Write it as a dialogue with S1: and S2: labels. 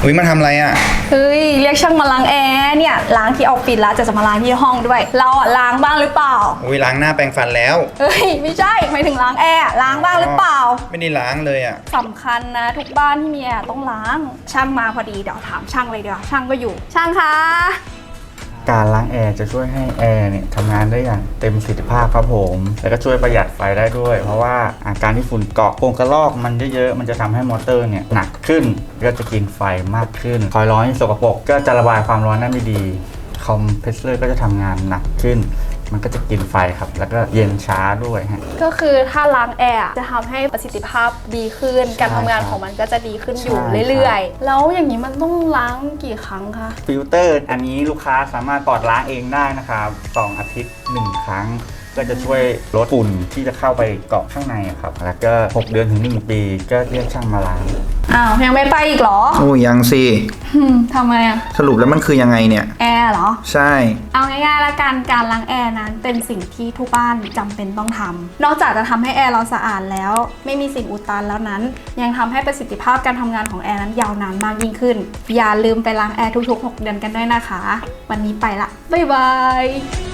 S1: อุ้ยมาทำอะไรอ่ะ
S2: เฮ้ยเรียกช่างมาล้างแอร์เนี่ยล้างที่ออฟฟิศแล้วจะมาล้างที่ห้องด้วยเราอะล้างบ้างหรือเปล่า
S1: อุ้ยล้างหน้าแปรงฟันแล้ว
S2: เฮ้ยไม่ใช่หมายถึงล้างแอร์ล้างบ้างหรือเปล่า
S1: ไม่ได้ล้างเลยอ่ะ
S2: สำคัญนะทุกบ้านที่มีแอร์ต้องล้างช่างมาพอดีเดี๋ยวถามช่างเลยเดี๋ยวช่างก็อยู่ช่างคะ
S3: การล้างแอร์จะช่วยให้แอร์เนี่ยทำงานได้อย่างเต็มประสิทธิภาพครับผมแล้วก็ช่วยประหยัดไฟได้ด้วย เพราะว่าอาการที่ฝุ่นเกาะโป่งกระรอกมันเยอะๆมันจะทำให้มอเตอร์เนี่ยหนักขึ้นก็จะกินไฟมากขึ้นคอยร้อนที่สกปรกก็จะระบายความร้อนได้ไม่ดีคอมเพรสเซอร์ก็จะทำงานหนักขึ้นมันก็จะกินไฟครับแล้วก็เย็นช้าด้วยฮะ
S2: ก็คือถ้าล้างแอร์จะทำให้ประสิทธิภาพดีขึ้นการทำงานของมันก็จะดีขึ้นอยู่เรื่อยๆแล้วอย่างนี้มันต้องล้างกี่ครั้งคะ
S3: ฟิลเตอร์อันนี้ลูกค้าสามารถปลอดล้างเองได้นะครับ2 อาทิตย์ 1 ครั้งก็จะช่วยลดฝุ่นที่จะเข้าไปเกาะข้างในครับแล้วก็6 เดือนถึง 1 ปีก็เรียกช่างมาล้าง
S2: อ้าวยังไม่ไปอีกเหรอ
S1: โอ้ยังสิ
S2: ทำไมอะ
S1: สรุปแล้วมันคือยังไงเนี่ย
S2: แอร์เหรอ
S1: ใช่
S2: เอาง่ายๆละกันการล้างแอร์นั้นเป็นสิ่งที่ทุกบ้านจำเป็นต้องทำนอกจากจะทำให้แอร์เราสะอาดแล้วไม่มีสิ่งอุดตันแล้วนั้นยังทำให้ประสิทธิภาพการทำงานของแอร์นั้นยาวนานมากยิ่งขึ้นอย่าลืมไปล้างแอร์ทุกๆ6 เดือนกันด้วยนะคะวันนี้ไปละบ๊ายบาย